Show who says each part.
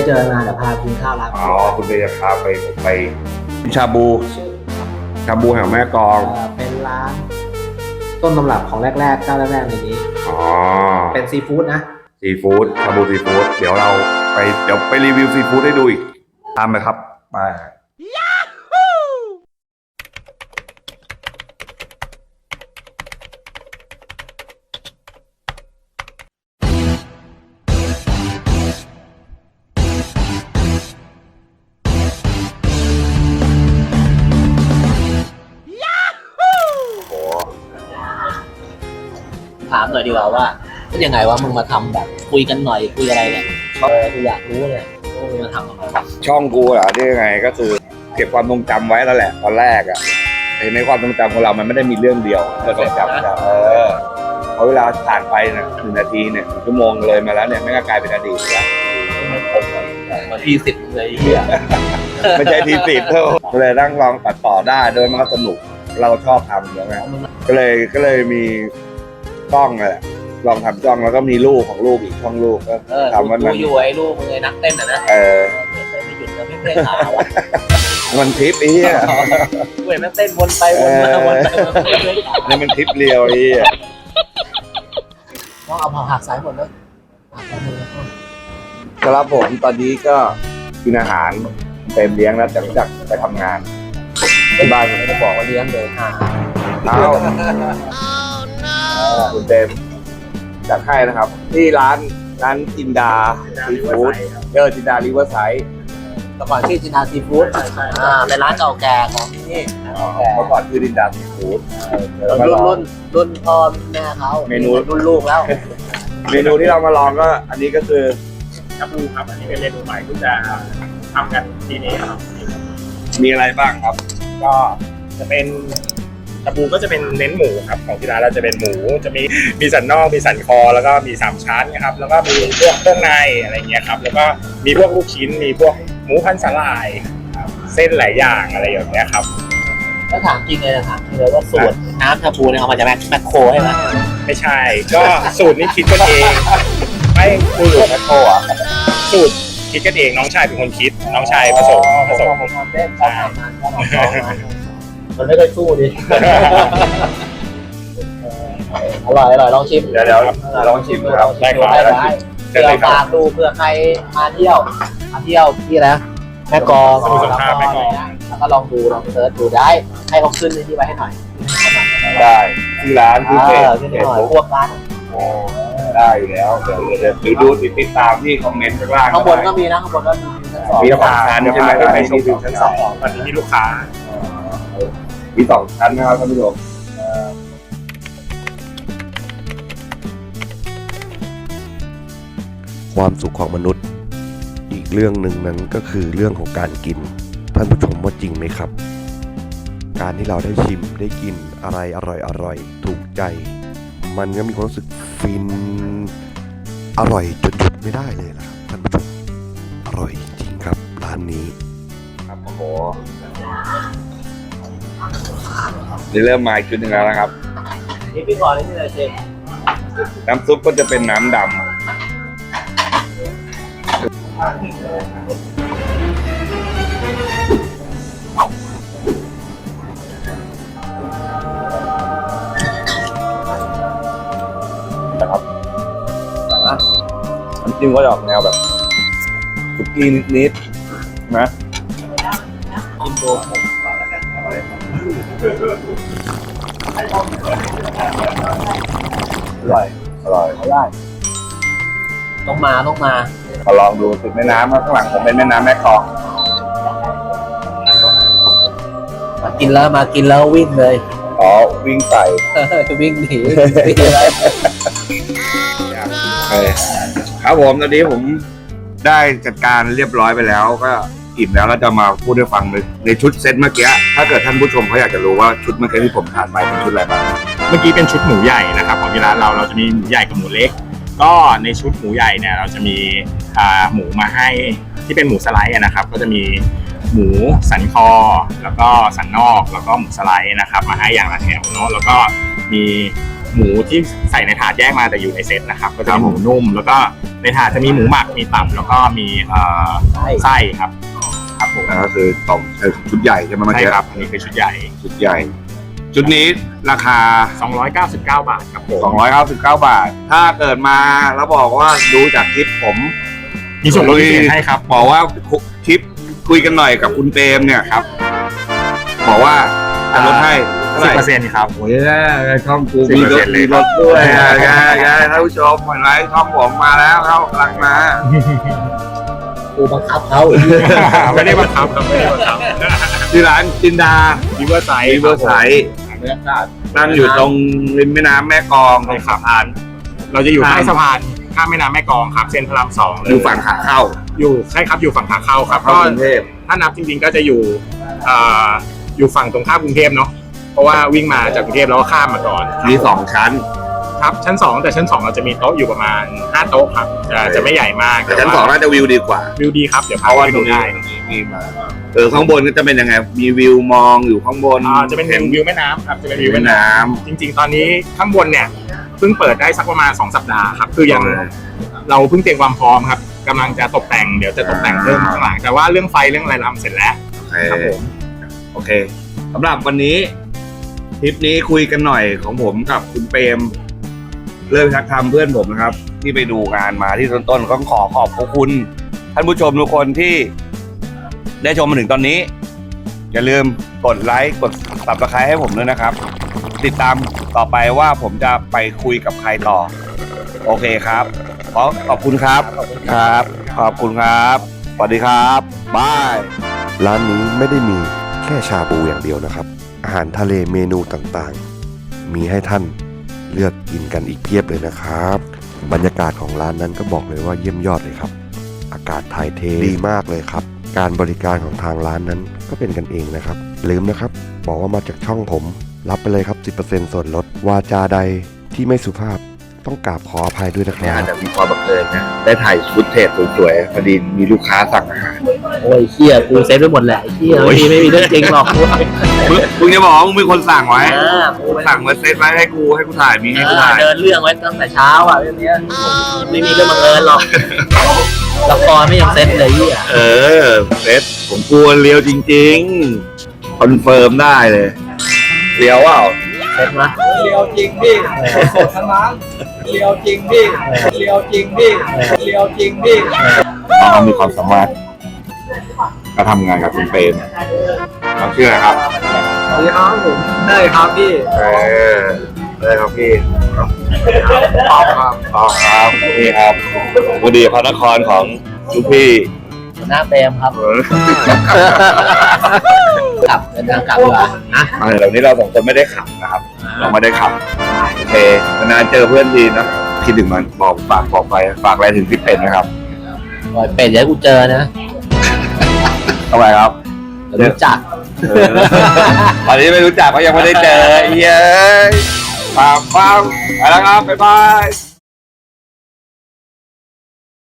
Speaker 1: เจอมาเดี๋ยวพากินข้าวร้านอ๋อ
Speaker 2: คุณเบย์จะพาไปชาบูแถวแม่กลอง
Speaker 1: เป็นร้านต้นตำรับของแรกๆเจ้าแรกๆในนี้เป็นซีฟู้ดนะ
Speaker 2: ซีฟู้ดชาบูซีฟู้ดเดี๋ยวไปรีวิวซีฟู้ดให้ดูอีกตามไปครับไป
Speaker 1: ถามหน่อยดีกว่าว่าเป็นยังไงวะมึงมาทำแบบคุยกันหน่อยคุยอะไรเนี่ยกูอยากรู้เลยมึงมาทำอะไรวะ
Speaker 2: ช่องกูเหรอที่ยังไงก็คือเก็บความทรงจำไว้แล้วแหละตอนแรกอ่ะในความทรงจำของเรามันไม่ได้มีเรื่องเดียวเราต้องจำเพราะเวลาผ่านไปเนี่ย1 นาทีเนี่ย1 ชั่วโมงเลยมาแล้วเนี่ยไม่ก็กลายเป็นอดีตแล้ว
Speaker 1: มันที10เลยเฮีย
Speaker 2: ไม่ใช่ที10เท่าเลยนั่งลองตัดต่อได้โดยมันก็สนุกเราชอบทำอยู่แล้วก็เลยมีช่องเลยลองทำช่องแล้วก็มีลูกของลูกอีกช่องลูกก็ทำมัน
Speaker 1: อยู่ไอ้ลูกมึงไอ้นักเต้นนะไม่หยุดแล้วไม่เต้นหา
Speaker 2: มันทริปไอ้เหี้ย
Speaker 1: เว้ยมันเต้นวนไปวนมา
Speaker 2: นี่มันทริปเรียวไอ้เหี้ย
Speaker 1: ต้องเอาหักสายหมดเลย
Speaker 2: ครับผมตอนนี้ก็กินอาหารเต็มเลี้ยงแล้วจากไปทำงานที่บ้านผมไม่ได้บอกว่าเลี้ยงเลยคุณเต็มจัดให้นะครับที่ร้านจินดาซีฟู้ดจินดาริเวอร์ไซด์
Speaker 1: แต่ก่อนชื่อจินดาซีฟู้ดเป็นร้านเก่าแก่ของที่นี่
Speaker 2: เมื่อก่อนคือจินดาซีฟู้ด
Speaker 1: รุ่นพ่อแม่เขา
Speaker 2: เมนู
Speaker 1: รุ่นลูกแล้ว
Speaker 2: เมนูที่เรามาลองก็อันนี้ก็คือ
Speaker 3: ชาบูครับอันนี้เป็นเมนูใหม่ที่จะทำกันทีนี้ครับ
Speaker 2: มีอะไรบ้างครับ
Speaker 3: ก็จะเป็นชาบูก็จะเป็นเน้นหมูครับของที่ร้านเราจะเป็นหมูจะมีสันนอกมีสันคอแล้วก็มี3 ชั้นนะครับแล้วก็มีพวกเครื่องในอะไรเงี้ยครับแล้วก็มีพวกลูกชิ้นมีพวกหมูพันสลายเส้นหลายอย่างอะไรอย่างเงี้ยครับ
Speaker 1: ถ้าถามจริงเลยถามจริงเลยว่าสูตรน้ำชาบูเนี่ยเอามาจากแมคโครใช่ไหม
Speaker 3: ไม่ใช่ก็สูตรนี้คิดกันเองไม่คือ
Speaker 2: แมคโครอ่ะ
Speaker 3: สูตรคิดกันเองน้องชายเป็นคนคิดน้องชายผสม
Speaker 1: มันไม่เคยสู้ดิอร่อยลองชิม
Speaker 2: เดี๋ยวลองชิมครับ
Speaker 1: ได้เผื่อฝากดูเผื่อใครมาเที่ยวที่นะแม่กลองแล้วก็ลองเสิร์ชดูได้ให้เขาขึ้นที่ไว้ให้หน่อย
Speaker 2: ได้ที่ร้านที่เพจ
Speaker 1: พวกร้าน
Speaker 2: ได้อยู่แล้วเดี๋ยวดูติดตามที่คอมเมนต์
Speaker 1: ข้างบนก็มีนะข้างบนก็
Speaker 2: มี2 ชั้นใช่ไหม
Speaker 3: ในชมวิวชั้น 2ตอนนี้มีลูกค้า
Speaker 2: มี2 ชั้นนะครับท่านผู้ชม
Speaker 4: ความสุขของมนุษย์อีกเรื่องหนึ่งนั้นก็คือเรื่องของการกินท่านผู้ชมว่าจริงไหมครับการที่เราได้ชิมได้กินอะไรอร่อยถูกใจมันก็มีความรู้สึกฟินอร่อยจนหยุดไม่ได้เลยล่ะครับท่านผู้ชมอร่อยจริงครับร้านนี้
Speaker 2: ครับโอ้โหนี่เริ่มมาอีกชุดหนึ่งแล้วนะครับ
Speaker 1: นี่พี่ก่อนนี่เลยเชฟ
Speaker 2: น้ำซุปก็จะเป็นน้ำดำนะครับน้ำจิ้มก็จะออกแนวแบบสุกี้นิดๆนะ
Speaker 1: กินโด
Speaker 2: อร่อย
Speaker 1: ได้ต้องมา
Speaker 2: ลองดูติดแม่น้ำข้างหลังผมเป็นแม่น้ำแม่กลอง
Speaker 1: มากินแล้ววิ่งเลย
Speaker 2: วิ่งใส่
Speaker 1: วิ่งหนี
Speaker 2: ครับผมตอนนี้ผมได้จัดการเรียบร้อยไปแล้วก็อิ่มแล้วเราจะมาพูดให้ฟังในชุดเซตเมื่อกี้ถ้าเกิดท่านผู้ชมเขาอยากจะรู้ว่าชุดเมื่อกี้ที่ผมทานไปเป็นชุดอะไรบ้าง
Speaker 3: เมื่อกี้เป็นชุดหมูใหญ่นะครับของที่ร้านเราจะมีหมูใหญ่กับหมูเล็กก็ในชุดหมูใหญ่เนี่ยเราจะมีหมูมาให้ที่เป็นหมูสไลด์นะครับก็จะมีหมูสันคอแล้วก็สันนอกแล้วก็หมูสไลด์นะครับมาให้อย่างละแถวเนาะแล้วก็มีหมูที่ใส่ในถาดแยกมาแต่อยู่ในเซตนะครับก็จะมีหมูนุ่ม แล้วก็ในถาดจะมีหมูหมักมีตับแล้วก็มีไส้ครับครับผม
Speaker 2: ก็คือต่อชุดใหญ่ใช่ไหมเมื่อ
Speaker 3: ใช่
Speaker 2: กี้
Speaker 3: ครับอันนี้คือชุดใหญ่
Speaker 2: ชุดใหญ่ ชุดนี้ราคา
Speaker 3: 299 บาทครับผม
Speaker 2: 299 บาท ถ้าเกิดมาแล้วบอกว่าดูจากคลิปผม
Speaker 3: มีส่วนลดพิเศษให้ครับ
Speaker 2: บอกว่าคลิปคุยกันหน่อยกับคุณเปรมเนี่ยครับบอกว่าจะลดให้เท่าไหร่
Speaker 3: 10%ครับ
Speaker 2: โอ้ยช่องกูมีรถ
Speaker 3: 10%
Speaker 2: มีรถด้วยท่านผู้ชมเห็นไหมช่องผมมาแล้วเขากำลังมา
Speaker 1: กูบังคับเขา
Speaker 3: ไม่ได้บังคับครับไม่ได้บังคับ
Speaker 2: ที่ร้านจินดา
Speaker 3: ริเวอร์ไซด์
Speaker 2: ริเวอร์ไซด์ตั้งอยู่ตรงริมแม่น้ำแม่กลองตรงสะพาน
Speaker 3: เราจะอยู่ใต้สะพานข้ามแม่น้ำแม่กลองครับเส้นพระราม2เลย
Speaker 2: อยู่ฝั่งขาเข้า
Speaker 3: อยู่ใช่ครับอยู่ฝั่งขาเข้าครับ
Speaker 2: เข้ากรุงเทพ
Speaker 3: ถ้านับจริงๆก็จะอยู่ฝั่งตรงข้ามกรุงเทพเนาะเพราะว่าวิ่งมาจากกรุงเทพแล้วก็ข้ามมาก่อน
Speaker 2: มี2 ชั้น
Speaker 3: ครับชั้น 2แต่ชั้น 2เราจะมีโต๊ะอยู่ประมาณ5โต๊ะครับจะไม่ใหญ่มาก
Speaker 2: แต่ชั้น 2น่าจะวิวดีกว่า
Speaker 3: วิวดีครับเดี๋ยว
Speaker 2: เพ
Speaker 3: พา
Speaker 2: ราะว่า
Speaker 3: ไป
Speaker 2: ตร
Speaker 3: ดู
Speaker 2: งนี้
Speaker 3: ได้
Speaker 2: มีมาข้างบนก็จะเป็นยังไงมีวิวมองอยู่ข้างบน
Speaker 3: จะเป็นวิวแม่น้ำครับจะเป็นวิ
Speaker 2: วิ
Speaker 3: ว
Speaker 2: ว
Speaker 3: แม่
Speaker 2: แม่
Speaker 3: น้
Speaker 2: น้
Speaker 3: ำจริงๆ ตอนนี้ข้างบนเนี่ยเพิ่งเปิดได้สักประมาณ2 สัปดาห์ครับคือยังเราเพิ่งเตรียมความพร้อมครับกำลังจะตกแต่งเดี๋ยวจะตกแต่งเพิ่มข้างหลังแต่ว่าเรื่องไฟเรื่องอะไรทำเสร็จแล้ว
Speaker 2: ำ
Speaker 3: ครับผม
Speaker 2: โอเคสำหรับวันนี้ทริปนี้คุยกันหน่อยของผมกับคุณเปรมเริ่มทักทำเพื่อนผมนะครับ ที่ไปดูงานมาที่ต้นๆก็ขอขอบคุณท่านผู้ชมทุกคนที่ได้ชมมาถึงตอนนี้ อย่าลืมกดไลค์กด Subscribe ให้ผมด้วยนะครับ ติดตามต่อไปว่าผมจะไปคุยกับใครต่อ โอเคครับขอบคุณครับครับ ขอบคุณครับสวัสดีครับบาย
Speaker 4: ร้านนี้ไม่ได้มีแค่ชาบูอย่างเดียวนะครับ อาหารทะเลเมนูต่างๆ มีให้ท่านเลือกกินกันอีกเพียบเลยนะครับ บรรยากาศของร้านนั้นก็บอกเลยว่าเยี่ยมยอดเลยครับ อากาศถ่ายเทดีมากเลยครับ การบริการของทางร้านนั้นก็เป็นกันเองนะครับลืมนะครับบอกว่ามาจากช่องผมรับไปเลยครับ 10% ส่วนลดวาจาใดที่ไม่สุภาพต้องกราบขออภัยด้วยนะค
Speaker 2: เนี่ย
Speaker 4: รั
Speaker 2: อา
Speaker 4: บ
Speaker 2: จจะมีความบังเอิญนะได้ถ่ายฟุตเทจสวยๆพอดีมีลูกค้าสั่งอาหาร
Speaker 1: โอ้ยเชี่ยกูเซฟไปหมดแหละไอ้เชี่ย
Speaker 2: โอ้ย
Speaker 1: ไม่มีเรื่องจริงหรอกกู
Speaker 2: มึงจะบอกว่ามึงมีคนสั่งไว้
Speaker 1: กูไป
Speaker 2: สั่งมาเซตไว้ให้กูถ่ายมีให้กูถ่าย
Speaker 1: เดินเรื่องไว้ตั้งแต่เช้าอ่ะเรื่องเนี้ยไม่มีเรื่องบังเอิญหรอกละครไม่ยังเซ็ตเลยยี่อ่ะ
Speaker 2: เออเซตผมกลัวเลียวจริงๆคอนเฟิร์มได้เลยเลียวเปล่า
Speaker 1: เซ็ตนะ
Speaker 5: เลียวจริงพี่สดทั้งร้านเลียวจริงพี่เลียวจริงพี่เลียวจริงพี่
Speaker 2: น้องมีความสามารถก็ทำงานกับคุณเปรมน้องชื่ออะไรครับ
Speaker 5: สวัสดีครับผมได้ครับพี่
Speaker 2: ได้ครับพี่ตอบครับนี่ครับบุรีพระนครของลูกพี่
Speaker 1: หัวหน้าเปรมครับกลับเดินทางกลับดีกว่านะ
Speaker 2: เหล่านี้เราสองคนไม่ได้ขับนะครับ เราไม่ได้ขับโอเคนานๆเจอเพื่อนทีนะคิดถึงมันบอกฝากอะไรถึงพี่เป็ดนะครับ
Speaker 1: ปล่อยเป็ดอย่าให้กูเจอนะ
Speaker 2: ทำไมครับ
Speaker 1: เดี๋ยวรู้จัก
Speaker 2: ตอนนี้ไม่รู้จักก็ยังไม่ได้เจอเย้ยฝากไปแล้วครับบ๊ายบาย